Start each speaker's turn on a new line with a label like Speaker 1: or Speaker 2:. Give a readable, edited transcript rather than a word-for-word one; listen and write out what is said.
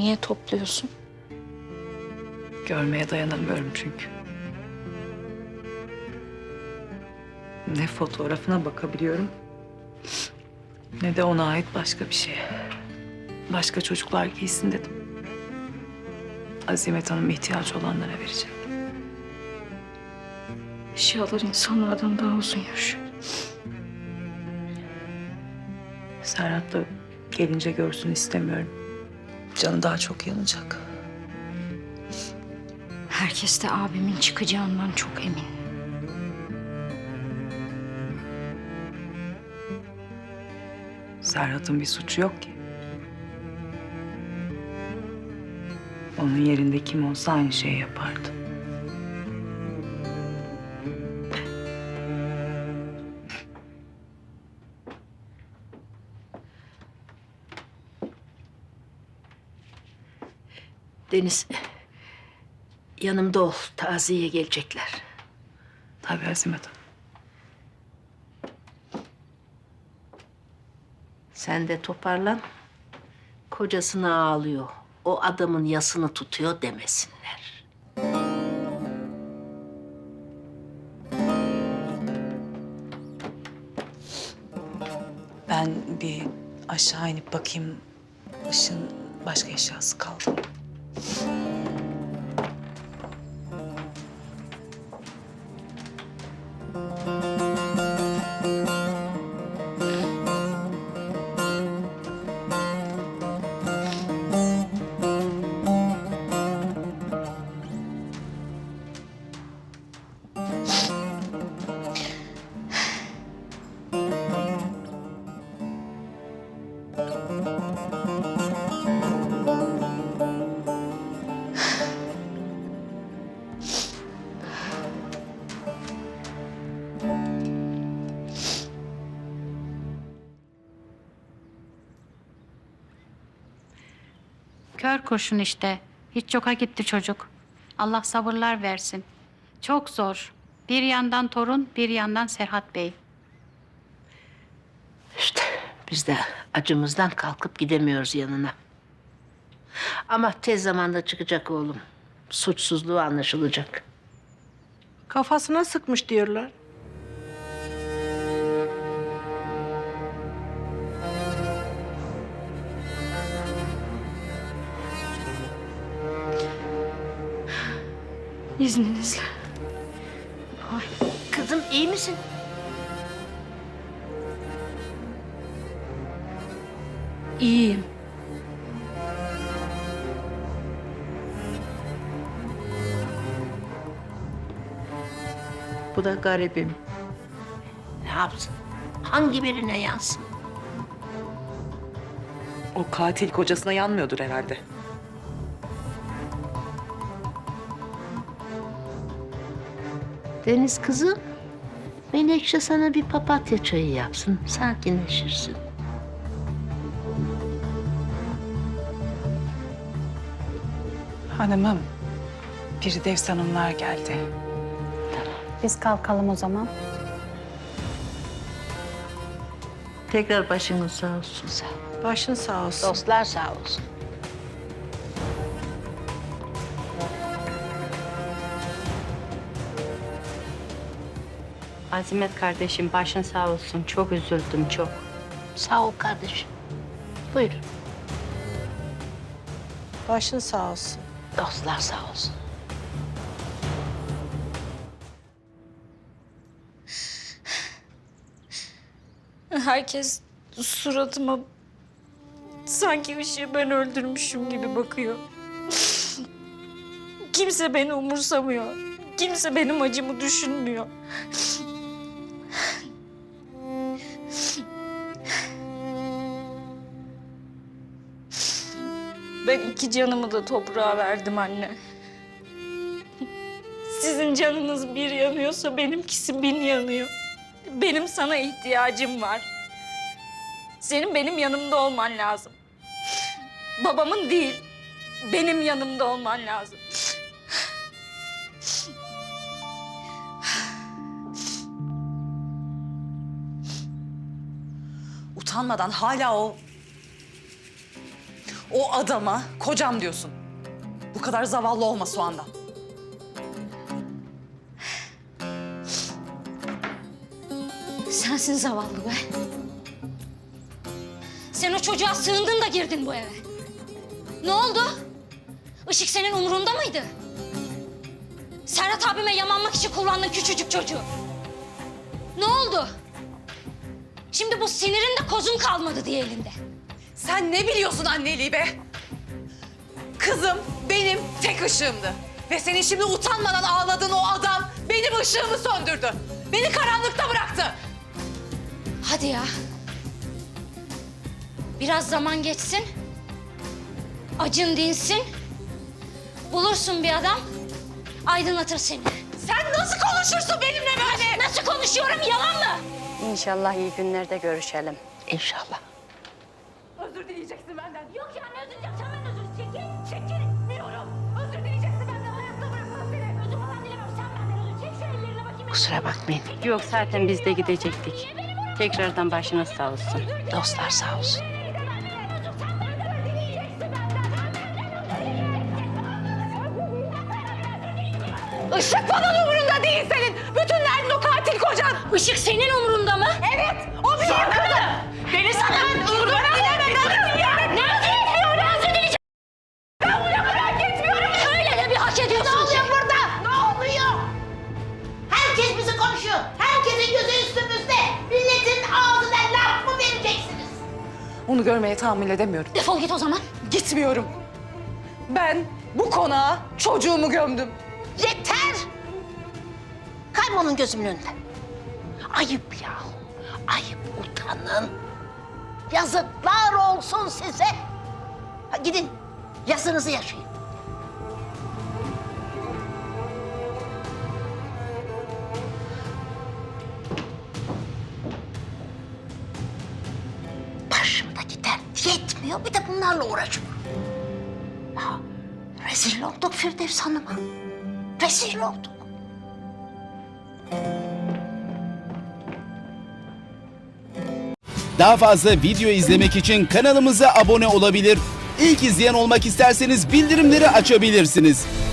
Speaker 1: Niye topluyorsun?
Speaker 2: Görmeye dayanamıyorum çünkü. Ne fotoğrafına bakabiliyorum, ne de ona ait başka bir şeye. Başka çocuklar giysin dedim. Azimet Hanım ihtiyacı olanlara verecek.
Speaker 1: Eşyalar insanlardan daha uzun yaşıyor.
Speaker 2: Serhat da gelince görsün istemiyorum. Canı daha çok yanacak.
Speaker 1: Herkes de abimin çıkacağından çok emin.
Speaker 2: Serhat'ın bir suçu yok ki. Onun yerinde kim olsa aynı şeyi yapardı.
Speaker 3: Deniz, yanımda ol. Taziyeye gelecekler.
Speaker 2: Tabii Azimet Hanım.
Speaker 3: Sen de toparlan. Kocasına ağlıyor. O adamın yasını tutuyor demesinler.
Speaker 2: Ben bir aşağı inip bakayım. Işın başka eşyası kaldı mı?
Speaker 4: Kör kurşun işte. Hiç yoka gitti çocuk. Allah sabırlar versin. Çok zor. Bir yandan torun, bir yandan Serhat Bey.
Speaker 3: İşte biz de acımızdan kalkıp gidemiyoruz yanına. Ama tez zamanda çıkacak oğlum. Suçsuzluğu anlaşılacak.
Speaker 5: Kafasına sıkmış diyorlar.
Speaker 1: İzninizle.
Speaker 3: Kızım iyi misin?
Speaker 1: İyiyim.
Speaker 5: Bu da garibim.
Speaker 3: Ne yapsın? Hangi birine yansın?
Speaker 2: O katil kocasına yanmıyordur herhalde.
Speaker 3: Deniz kızım, Menekşe sana bir papatya çayı yapsın. Sakinleşirsin.
Speaker 2: Hanımım, Firdevs Hanımlar geldi.
Speaker 4: Biz kalkalım o zaman.
Speaker 3: Tekrar başınız sağ olsun. Sağ ol.
Speaker 5: Başın sağ olsun.
Speaker 3: Dostlar sağ olsun.
Speaker 6: Azimet kardeşim başın sağ olsun. Çok üzüldüm çok.
Speaker 3: Sağ ol kardeşim. Buyurun.
Speaker 5: Başın sağ olsun.
Speaker 3: Dostlar sağ olsun.
Speaker 1: Herkes suratıma sanki ışığı ben öldürmüşüm gibi bakıyor. Kimse beni umursamıyor. Kimse benim acımı düşünmüyor. Ben 2 canımı da toprağa verdim anne. Sizin canınız bir yanıyorsa benimkisi 1000 yanıyor. Benim sana ihtiyacım var. Senin benim yanımda olman lazım. Babamın değil, benim yanımda olman lazım.
Speaker 2: Utanmadan hala
Speaker 7: O adama kocam diyorsun. Bu kadar zavallı olma Soğan'dan.
Speaker 1: Sensin zavallı be. Sen o çocuğa sığındın da girdin bu eve. Ne oldu? Işık senin umurunda mıydı? Serhat abime yamanmak için kullandın küçücük çocuğu. Ne oldu? Şimdi bu sinirin de kozun kalmadı diye elinde.
Speaker 7: Sen ne biliyorsun anneliği be? Kızım benim tek ışığımdı. Ve senin şimdi utanmadan ağladığın o adam benim ışığımı söndürdü. Beni karanlıkta bıraktı.
Speaker 1: Hadi ya. Biraz zaman geçsin. Acın dinsin. Bulursun bir adam. Aydınlatır seni.
Speaker 7: Sen nasıl konuşursun benimle böyle?
Speaker 1: Nasıl konuşuyorum, yalan mı?
Speaker 6: İnşallah iyi günlerde görüşelim.
Speaker 3: İnşallah.
Speaker 7: Özür dileyeceksin benden.
Speaker 1: Yok ya, ne özür dileyeceğim? Sen ben özür çekil. Çekilmiyorum. Özür dileyeceksin benden. Hayatta bırakmam seni. Özür falan dilemem. Sen benden özür çek. Şu ellerine bakayım.
Speaker 3: Kusura bakmayın.
Speaker 6: Yok zaten biz de gidecektik. Tekrardan başınız sağ olsun.
Speaker 3: Dostlar sağ olsun.
Speaker 7: Işık falan umurunda değil senin. Bütün derdin o katil kocan.
Speaker 1: Işık senin umurunda mı?
Speaker 7: Evet, o benim kızım. Beni sakın kurban deme kadın ya.
Speaker 1: Ne özür diliyorum? Ne özür dileyeceğim?
Speaker 7: Ben bunu merak etmiyorum.
Speaker 1: Öyle de bir hak ediyorsun.
Speaker 8: Ne oluyor burada? Ne oluyor? Herkes bizi konuşuyor. Herkesin gözü üstümüzde. Milletin ağzına laf mı vereceksiniz?
Speaker 7: Onu görmeye tahammül edemiyorum.
Speaker 1: Defol git o zaman.
Speaker 7: Gitmiyorum. Ben bu konağa çocuğumu gömdüm.
Speaker 8: Yeter! Kaybolun gözümün önünden. Ayıp ya. Ayıp, utanın. Yazıklar olsun size. Ha, gidin, yazınızı yaşayın. Başımdaki dert yetmiyor, bir de bunlarla uğraşıyorum. Ya, rezil olduk Firdevs Hanım'a. Rezil olduk.
Speaker 9: Daha fazla video izlemek için kanalımıza abone olabilir. İlk izleyen olmak isterseniz bildirimleri açabilirsiniz.